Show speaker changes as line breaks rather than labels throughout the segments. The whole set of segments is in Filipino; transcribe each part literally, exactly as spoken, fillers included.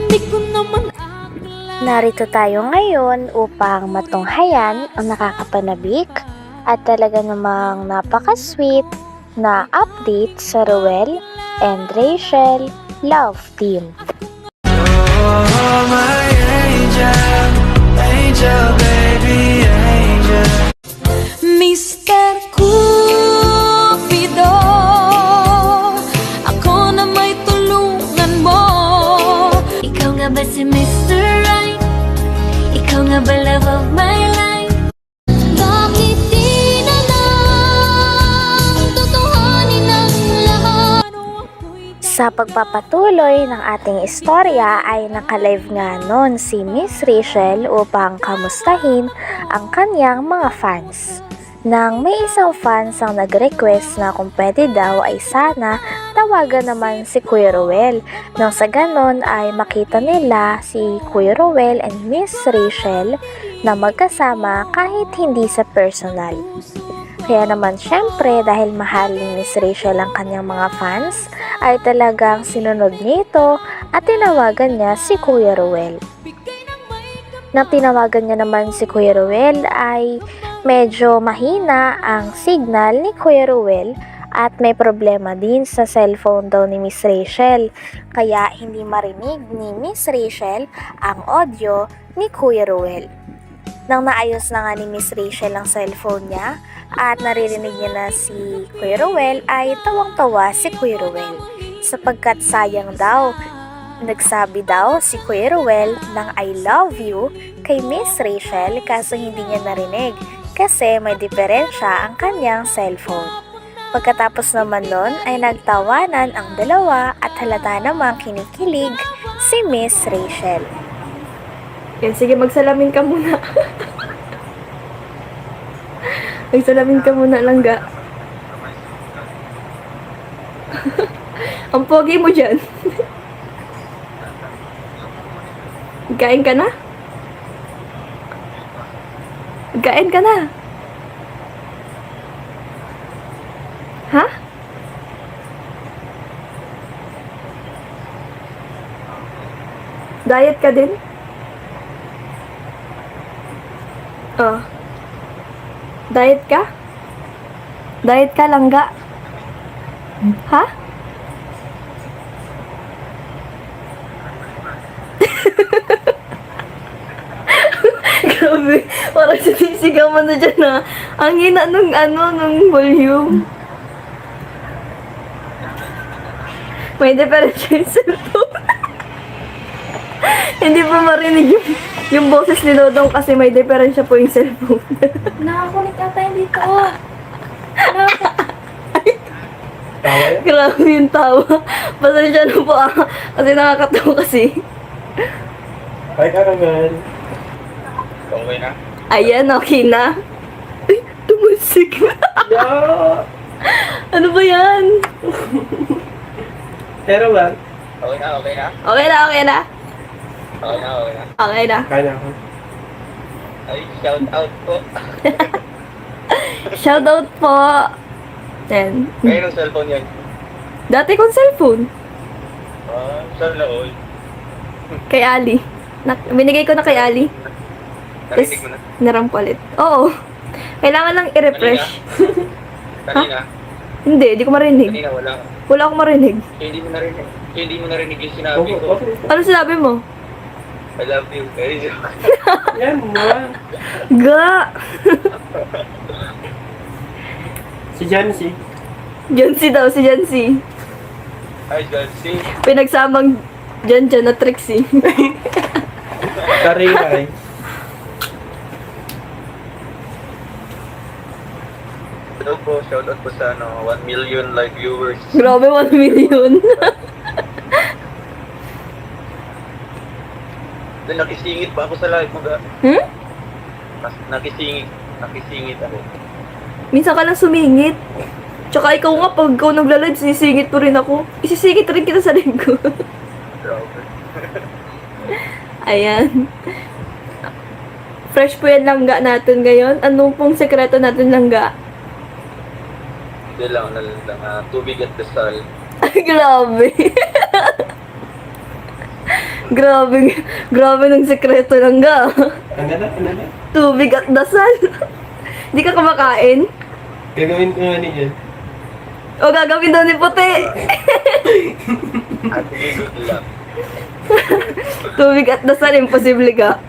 Di ko naman
Narito tayo ngayon upang matunghayan ang nakakapanabik at talaga namang napaka-sweet na update sa Ruel and Rachel Love Team.
Oh, my angel, angel, baby, angel.
Mister Cupido, ako na may tulungan mo. Ikaw nga ba si Mister Right? Ikaw nga ba love of my life? Bakit di na lang tutuhanin ang lahat?
Sa pagpapatuloy ng ating istorya ay nakalive nga noon si Miss Rachel upang kamustahin ang kanyang mga fans. Nang may isang fans ang nag-request na kung pwede daw ay sana tawagan naman si Kuya Ruel. Nang sa ganon ay makita nila si Kuya Ruel and Miss Rachel na magkasama kahit hindi sa personal. Kaya naman syempre dahil mahal ni Miss Rachel ang kanyang mga fans ay talagang sinunod niya ito at tinawagan niya si Kuya Ruel. Nang tinawagan niya naman si Kuya Ruel ay medyo mahina ang signal ni Kuya Ruel at may problema din sa cellphone daw ni Miss Rachel. Kaya hindi marinig ni Miss Rachel ang audio ni Kuya Ruel. Nang naayos na nga ni Miss Rachel ang cellphone niya at naririnig niya na si Kuya Ruel ay tawang-tawa si Kuya Ruel. Sapagkat sayang daw, nagsabi daw si Kuya Ruel ng I love you kay Miss Rachel kaso hindi niya narinig kasi may diferensya ang kanyang cellphone. Pagkatapos naman nun ay nagtawanan ang dalawa at halata namang kinikilig si Miss Rachel.
Yan, sige, magsalamin ka muna. Magsalamin ka muna lang, ga. Ang pogi mo dyan. Kain ka na? Kain ka na? Ha? Diet ka din? Oh. Diet ka? Diet ka lang, ga? Ha? Grabe, parang sinisigaw mo na dyan na ang hina nung ano, nung volume. May diferensya yung cellphone. Hindi pa marinig yung, yung boses ni Dodong kasi may diferensya po yung cellphone.
Nakakunik ata yung dito. Oh.
Grabe yung tawa. Pasensya na po ah. Kasi nakakatawa kasi.
Hi, Karaman. Okay na?
Ayan, okay na. Ay, tumusik na.
Yeah!
Ano ba yan?
Pero ba?
Okay na, okay na?
Okay na, okay na.
Okay na, okay na.
Okay na.
Kaya na ako.
Ay, shout out po.
Shoutout po. Yan.
Ngayon ang cellphone yan.
Dati kong cellphone.
Ah, saan na all?
Kay Ali. Na, binigay ko na kay Ali.
Narinig mo na?
Narampalit. Oo. Kailangan lang i-refresh.
Kanina?
Hindi, di ko marinig.
Kanina wala.
Wala akong marinig.
Kaya hindi mo narinig. Kaya hindi mo narinig yung sinabi ko.
Okay.
Ano sinabi mo?
I love you. Very joke.
Yan mo.
Ga!
Si Jancy.
Jancy daw, si Jancy.
Hi, Jancy.
Pinagsamang Jan-Jan na Trixie.
Karingay.
Hello po, shout out po sa ano, one million live viewers.
Grabe, one million.
Then nakisingit pa ako sa live mo ga.
Hmm?
Nas- Nakisingit. Nakisingit ako.
Minsan ka lang sumingit. Tsaka ikaw nga, pag ikaw nagla-live, sinisingit mo rin ako. Isisingit rin kita sa live ko.
Grabe.
Ayan. Fresh po yan langga natin ngayon. Ano pong sekreto natin langga?
Hindi lang, ano lang, uh, tubig at dasal.
Ay, grabe. Grabe, grabe ng sekreto lang ga.
Ano na? Ano na?
Tubig at dasal. Di ka kumakain?
Gagawin ko nga niyan.
O gagawin daw ni puti.
At good luck.
Tubig at dasal, imposible ka.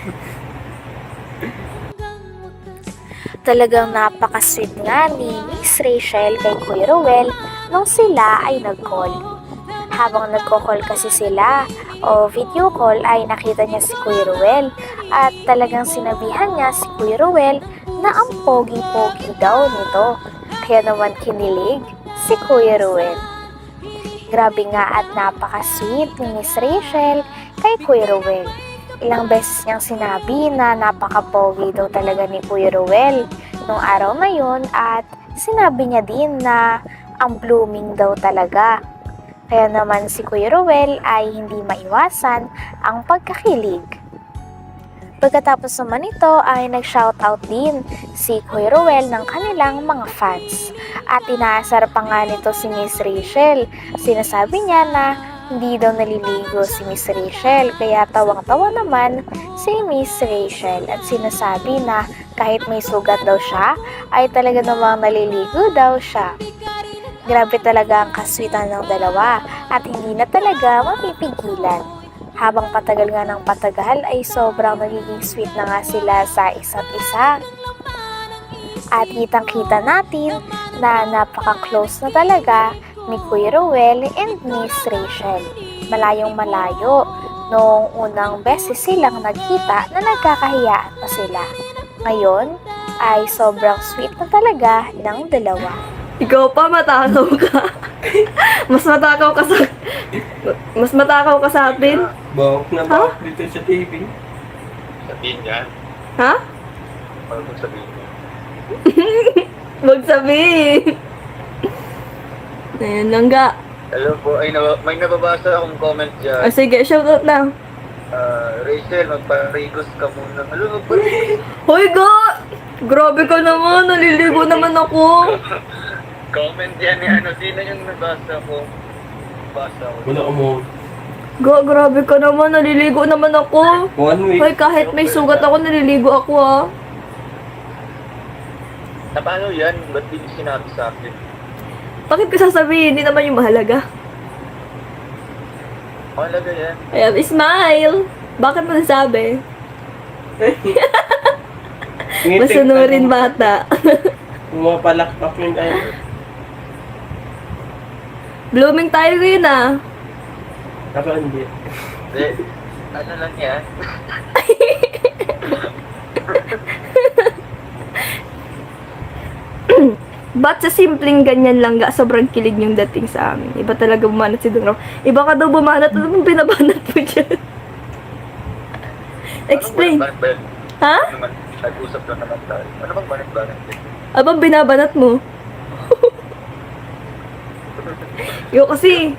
Talagang napaka-sweet nga ni Miss Rachel kay Kuya Ruel nung sila ay nag-call. Habang nagko-call kasi sila o video call ay nakita niya si Kuya Ruel at talagang sinabihan niya si Kuya Ruel na ang pogi-pogi daw nito. Kaya naman kinilig si Kuya Ruel. Grabe nga at napaka-sweet ni Miss Rachel kay Kuya Ruel. Ilang beses niyang sinabi na napaka-pogi daw talaga ni Kuya Ruel nung araw na yun at sinabi niya din na ang blooming daw talaga. Kaya naman si Kuya Ruel ay hindi maiwasan ang pagkakilig. Pagkatapos naman ito ay nag-shoutout din si Kuya Ruel ng kanilang mga fans. At inaasar pa nga nito si Miss Rachel. Sinasabi niya na hindi daw naliligo si Miss Rachel, kaya tawang-tawa naman si Miss Rachel at sinasabi na kahit may sugat daw siya, ay talaga namang naliligo daw siya. Grabe talaga ang kaswitan ng dalawa at hindi na talaga mapipigilan. Habang patagal nga ng patagal ay sobrang nagiging sweet na nga sila sa isa't isa. At kitang-kita natin na napaka-close na talaga ni Kuya Ruel and Miss Rachel. Malayong malayo noong unang beses silang nagkita na nagkakahiyaan pa sila. Ngayon ay sobrang sweet na talaga ng dalawa.
Ikaw pa, matakaw ka. Mas matakaw ka sa... Mas matakaw ka sa atin.
Bawak na bawak dito sa T V.
Sabihin niya.
Ha?
Ano kung sabihin niya?
Huwag sabihin. Ayan lang ga.
Hello po, ay nab- may nababasa akong comment
O
dyan.
sige, shoutout na.
Ah, Rachel, magparigos ka muna. Hello, magparigos.
Hoy ga! Grabe ka naman, naliligo naman ako.
Comment yan ni ano, sino yung nabasa ko? Basa ko.
Wala ko mo.
Ga, grabe ka naman, naliligo naman ako.
One week.
Hoy, kahit may sugat ako, naliligo ako ah.
Na paano yan? Ba't di niyo sinabi sa akin?
Bakit ko sasabihin? Hindi naman yung mahalaga.
Mahalaga yan.
Ayan, smile! Bakit mo nasabi? Masunurin bata.
Pumapalakpak yung tayo.
Blooming tayo ngayon ah.
Ako hindi.
Hindi. Ano lang yan?
Ba't sa simpleng ganyan lang ga, sobrang kilig yung dating sa amin. Iba talaga bumanat si Dong Ram. Iba ka daw bumanat, ano mong binabanat mo dyan? Explain.
Ano bang
Ha?
Ano naman? Nag-usap lang naman tayo. Ano bang banit-banit?
Abang binabanat mo? Yo kasi,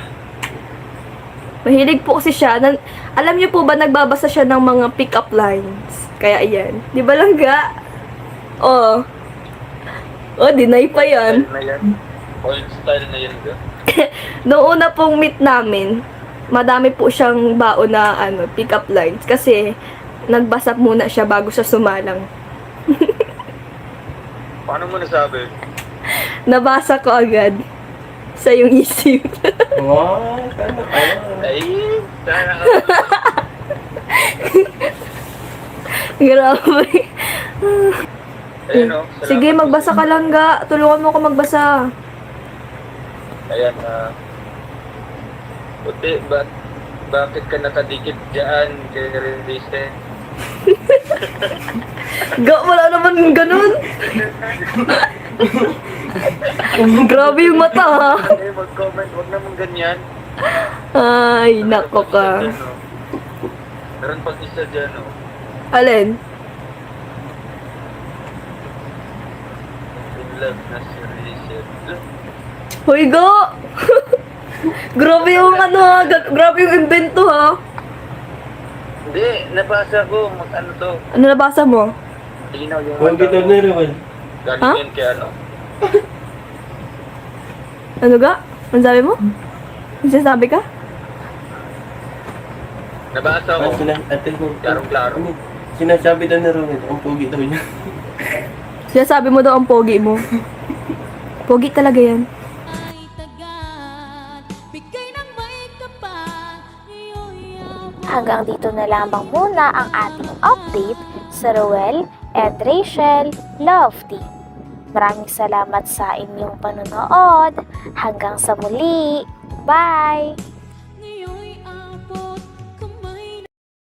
mahilig po kasi siya. Nan, alam niyo po ba, nagbabasa siya ng mga pick-up lines. Kaya ayan. Di ba lang ga? Oh. Oh, deny pa yan.
Style na yan. Old style na yan. Ga.
Noong una pong meet namin, madami po siyang baon na ano, pick-up lines. Kasi, nagbasa muna siya bago siya sumalang.
Paano mo nasabi?
Nabasa ko agad sa yung isip.
Wow, sana ka.
Ay, sana ka.
Grabe.
Ayun o. salamat
Sige,
po.
magbasa ka lang ga. Tulungan mo ako magbasa.
Ayan, ah. Puti, ba bakit ka nakadikit dyan kay Release?
Ga, wala naman ganun. Grabe yung mata ha.
Eh, mag-comment. Huwag naman ganyan.
Ay, nako ka.
Dyan, oh. Meron pang isa dyan, oh.
Alin?
In love na si Rachel.
Hoy ga. Grabe yung ano ha. Ga- Grabe yung invento ha.
Hindi, nabasa ko. Mag ano to.
Ano nabasa mo?
Linaw yung
Huwag kita na rin.
Galing
Ha?
yan kay ano.
Ano ga? Ano sabi mo? Ano sinasabi ka?
Nabasa ko.
Ah, sina, ate mo.
Klarong-klaro.
Ano, sinasabi daw ni Romel, ang pogi daw niya.
Sinasabi mo daw ang pogi mo. Pogi talaga yan.
ay tagat, bigay ng may kapal, iyo'y ako.
Hanggang dito na lamang muna ang ating update sa Roel and Rachel Love Team. Maraming salamat sa inyong panonood. Hanggang sa muli. Bye!